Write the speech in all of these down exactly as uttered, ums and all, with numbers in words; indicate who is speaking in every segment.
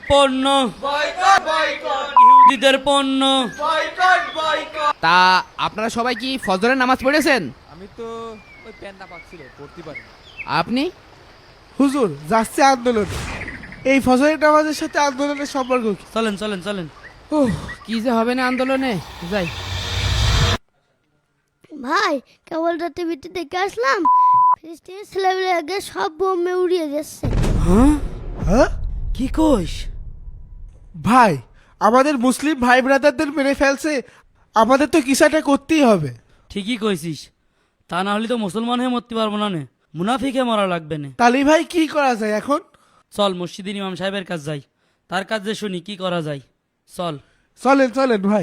Speaker 1: পণ্য
Speaker 2: boycott boycott
Speaker 1: ইহুদিদের পণ্য
Speaker 2: বয়কট বয়কট।
Speaker 3: তা আপনারা সবাই কি ফজরের নামাজ পড়েছেন?
Speaker 4: আমি তো ওই প্যান্টটা পাচ্ছিল পড়তে পারি।
Speaker 3: আপনি?
Speaker 5: হুজুর যাচ্ছে আন্দোলন। এই ফজরের নামাজের সাথে আন্দোলনের সম্পর্ক কি?
Speaker 1: চলেন চলেন চলেন।
Speaker 3: উহ, কি যে হবে না আন্দোলনে, যাই।
Speaker 6: ভাই কেবল রাতে টিভিতে দেখে আসলাম, ফিলিস্তিনি ছেলেমেয়েকে সব বোমে উড়িয়ে যাচ্ছে।
Speaker 1: হ্যাঁ
Speaker 5: হ্যাঁ
Speaker 1: কি কইস?
Speaker 5: ভাই, আমাদের মুসলিম ভাই ব্রাদারদের মেরে ফেলছে, আমাদের তো কিছু একটা করতেই হবে।
Speaker 1: ঠিকই কইছিস, তা না হলে তো মুসলমান হয়ে মরতে পারবো না নে, মুনাফিকে মরা লাগবে না।
Speaker 5: তালি ভাই কি করা যায় এখন?
Speaker 1: চল মসজিদের ইমাম সাহেবের কাছে যাই, তার কাছে শুনি কি করা যায়। চল।
Speaker 5: চলেন চলেন ভাই।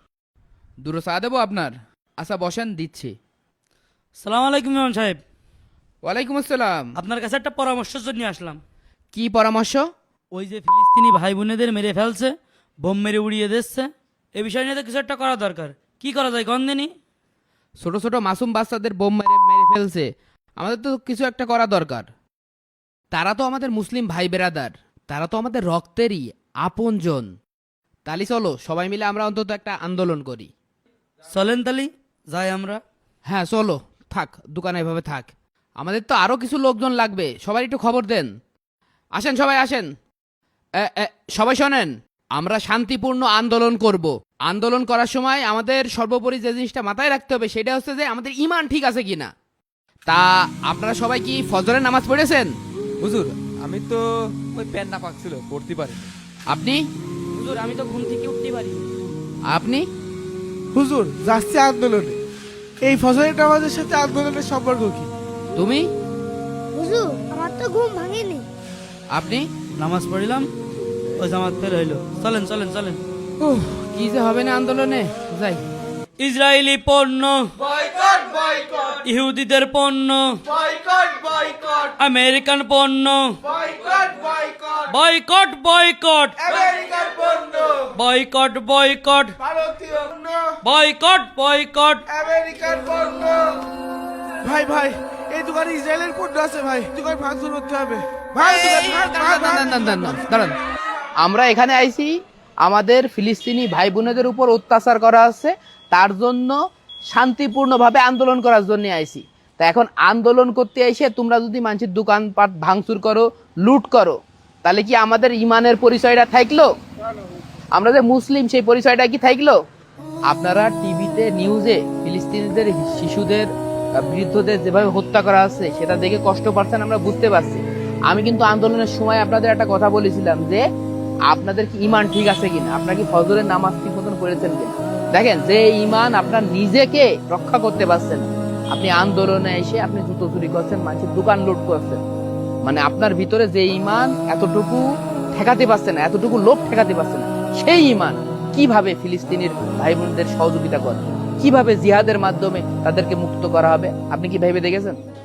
Speaker 3: দূরে চা দেবো আপনার? আচ্ছা বসেন, দিচ্ছি।
Speaker 1: সালাম আলাইকুম ইমাম সাহেব।
Speaker 3: ওয়ালাইকুম আসসালাম।
Speaker 1: আপনার কাছে একটা পরামর্শের জন্য আসলাম।
Speaker 3: কি পরামর্শ?
Speaker 1: ওই যে ফিলিস্তিনি ভাই বোনেদের মেরে ফেলছে, বোম মেরে উড়িয়ে দিচ্ছে, এ বিষয় নিয়ে তো কিছু একটা করা দরকার। কি করা যায় গন্ধেনি?
Speaker 3: ছোট ছোট মাসুম বাচ্চাদের বোম মেরে মেরে ফেলছে, আমাদের তো কিছু একটা করা দরকার। তারা তো আমাদের মুসলিম ভাই বেরাদার, তারা তো আমাদের রক্তেরই আপনজন। তালি চলো সবাই মিলে আমরা অন্তত একটা আন্দোলন করি।
Speaker 1: চলেন তালি যাই আমরা।
Speaker 3: হ্যাঁ চলো, থাক দোকানে এভাবে থাক, আমাদের তো আরো কিছু লোকজন লাগবে, সবাই একটু খবর দেন। আসেন সবাই আসেন। এ, এ, সবাই শোনেন, আমরা শান্তিপূর্ণ আন্দোলন করব। আন্দোলন করার সময় আমাদের সর্বোপরি যে জিনিসটা মাথায় রাখতে হবে সেটা হচ্ছে যে আমাদের ঈমান ঠিক আছে কিনা। তা আপনারা সবাই কি ফজরের নামাজ পড়েছেন?
Speaker 4: হুজুর আমি তো ওই প্যান্টটা পাচ্ছিল পড়তে পারি।
Speaker 3: আপনি?
Speaker 1: হুজুর আমি তো ঘুম থেকে উঠতে পারি।
Speaker 3: আপনি?
Speaker 5: হুজুর যাচ্ছে আন্দোলনে। এই ফজরের নামাজের সাথে আন্দোলনের সম্পর্ক কি?
Speaker 3: তুমি?
Speaker 6: হুজুর আমার তো ঘুম ভাঙেনি।
Speaker 3: আপনি?
Speaker 1: নামাজ পড়িলাম, ওই জামাত ফের হইলো। চলেন চলেন চলেন।
Speaker 3: উহ, কি যে হবে না আন্দোলনে, যাই।
Speaker 1: ইসরায়েলি পণ্য
Speaker 2: বয়কট বয়কট
Speaker 1: ইহুদিদের পণ্য
Speaker 2: বয়কট বয়কট
Speaker 1: আমেরিকান পণ্য
Speaker 2: বয়কট বয়কট
Speaker 1: বয়কট বয়কট
Speaker 2: আমেরিকার পণ্য
Speaker 1: বয়কট বয়কট
Speaker 2: ভারতীয় পণ্য
Speaker 1: বয়কট বয়কট
Speaker 2: আমেরিকার পণ্য।
Speaker 5: ভাই ভাই, এই দোকানে ইসরায়েলের পণ্য আছে ভাই, দোকান ভাঙচুর করতে হবে ভাই। দোকান ভাঙ, ভাঙ, ভাঙ।
Speaker 3: দাঁড়ান, দাঁড়ান, দাঁড়ান, দাঁড়ান। আমরা এখানে আইছি আমাদের ফিলিস্তিনি ভাই বোনেদের উপর অত্যাচার করা হচ্ছে, তার জন্য শান্তিপূর্ণভাবে আন্দোলন করার জন্য আইছি। তা এখন আন্দোলন করতে এসে তোমরা যদি মানুষের দোকানপাট ভাঙচুর করো, লুট করো, তাহলে কি আমাদের ইমানের পরিচয়টা থাকলো? আমরা যে মুসলিম সেই পরিচয়টা কি থাকলো? আপনারা টিভিতে নিউজে ফিলিস্তিনিদের শিশুদের আহ, বৃদ্ধদের যেভাবে হত্যা করা হচ্ছে সেটা দেখে কষ্ট পাচ্ছেন, আমরা বুঝতে পারছি। আমি কিন্তু আন্দোলনের সময় আপনাদের একটা কথা বলেছিলাম যে আপনাদের কি ইমান ঠিক আছে কিনা, আপনারা কি ফজরের নামাজ ঠিক মতন পড়েছেন কিনা। দেখেন, যে ইমান আপনার নিজেকে রক্ষা করতে পারছেন, আপনি আন্দোলনে এসে আপনি জুতো চুরি করছেন, মানুষের দোকান লুট করছেন, মানে আপনার ভিতরে যে ইমান এতটুকু ঠেকাতে পারছে না, এতটুকু লোভ ঠেকাতে পারছে না, সেই ইমান কিভাবে ফিলিস্তিনির ভাই বোনদের সহযোগিতা করবে, কিভাবে জিহাদের মাধ্যমে তাদেরকে মুক্ত করা হবে, আপনি কি ভেবে দেখেছেন?